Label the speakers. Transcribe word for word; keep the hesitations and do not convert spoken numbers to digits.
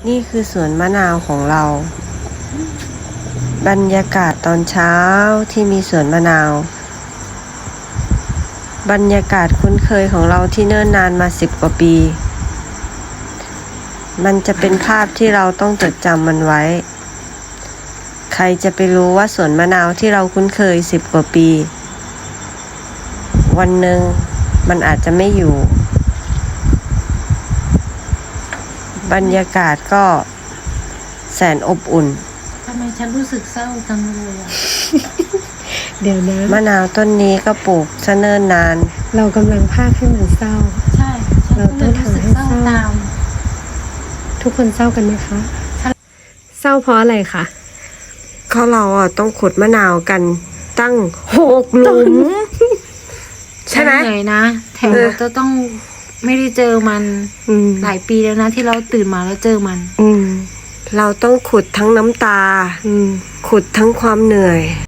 Speaker 1: นี่คือสวนมะนาวของเรา บรรยากาศตอนเช้าที่มีสวนมะนาว บรรยากาศคุ้นเคยของเราที่เนิ่นนานมาสิบกว่าปี มันจะเป็นภาพที่เราต้องจดจำมันไว้ ใครจะไปรู้ว่าสวนมะนาวที่เราคุ้นเคยสิบกว่าปี วันหนึ่งมันอาจจะไม่อยู่ บรรยากาศก็แสนอบอุ่น
Speaker 2: ทำไมฉันรู้สึกเศร้าจังเลยอ่ะ
Speaker 3: เดี๋ยวนะ
Speaker 1: มะนาวต้นนี้ก็ปลูกซะเนิ่นนาน
Speaker 3: เรากำลังพากให้มันเศร้า
Speaker 2: ใช่ ฉันก็เลยรู้สึกเศร้าตาม
Speaker 3: ทุกคนเศร้ากันไหมคะ เศร้าเพราะอะไรคะ
Speaker 1: ก็เราอ่ะต้องขุดมะนาวกันตั้งหกหลุม ใช่ไหม
Speaker 2: เหนื่อยนะ แถม
Speaker 1: เออ
Speaker 2: เราจะต้องไม่ได้เจอมัน
Speaker 1: อืม
Speaker 2: หลายปีแล้วนะที่เราตื่นมาแล้วเจอมัน
Speaker 1: อืม เราต้องขุดทั้งน้ำตา
Speaker 3: อืม
Speaker 1: ขุดทั้งความเหนื่อย